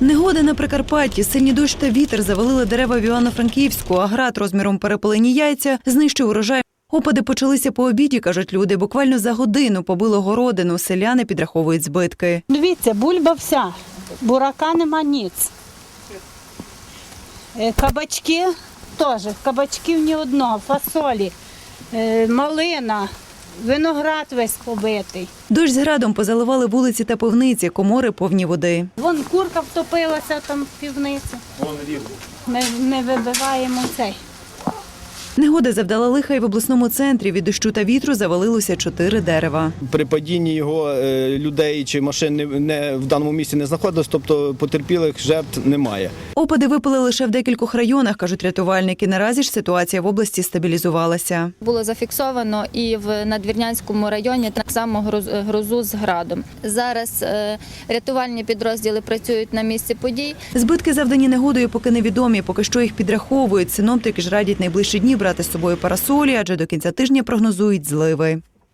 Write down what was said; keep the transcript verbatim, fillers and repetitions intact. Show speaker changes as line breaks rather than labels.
Негода на Прикарпатті, сильні дощ та вітер завалили дерева в Івано-Франківську, а град розміром перепелені яйця знищив урожай. Опади почалися по обіді, кажуть люди. Буквально за годину побило городину. Селяни підраховують збитки.
Дивіться, бульба вся, бурака нема ніц. Е, Кабачки теж, кабачків ні одного, фасолі, е, малина, виноград весь побитий.
Дощ з градом позаливали вулиці та пивниці, комори повні води.
Вон курка втопилася там в півниці. Ми, ми вибиваємо цей.
Негода завдала лиха й в обласному центрі. Від дощу та вітру завалилося чотири дерева.
При падінні його е, людей чи машин не, не, в даному місці не знаходилось, тобто потерпілих жертв немає.
Опади випали лише в декількох районах, кажуть рятувальники. Наразі ж ситуація в області стабілізувалася.
Було зафіксовано і в Надвірнянському районі так само гроз- грозу з градом. Зараз е, рятувальні підрозділи працюють на місці подій.
Збитки, завдані негодою, поки невідомі. Поки що їх підраховують. Синоптики ж радять найближчі дні брати з собою парасолі, адже до кінця тижня прогнозують зливи.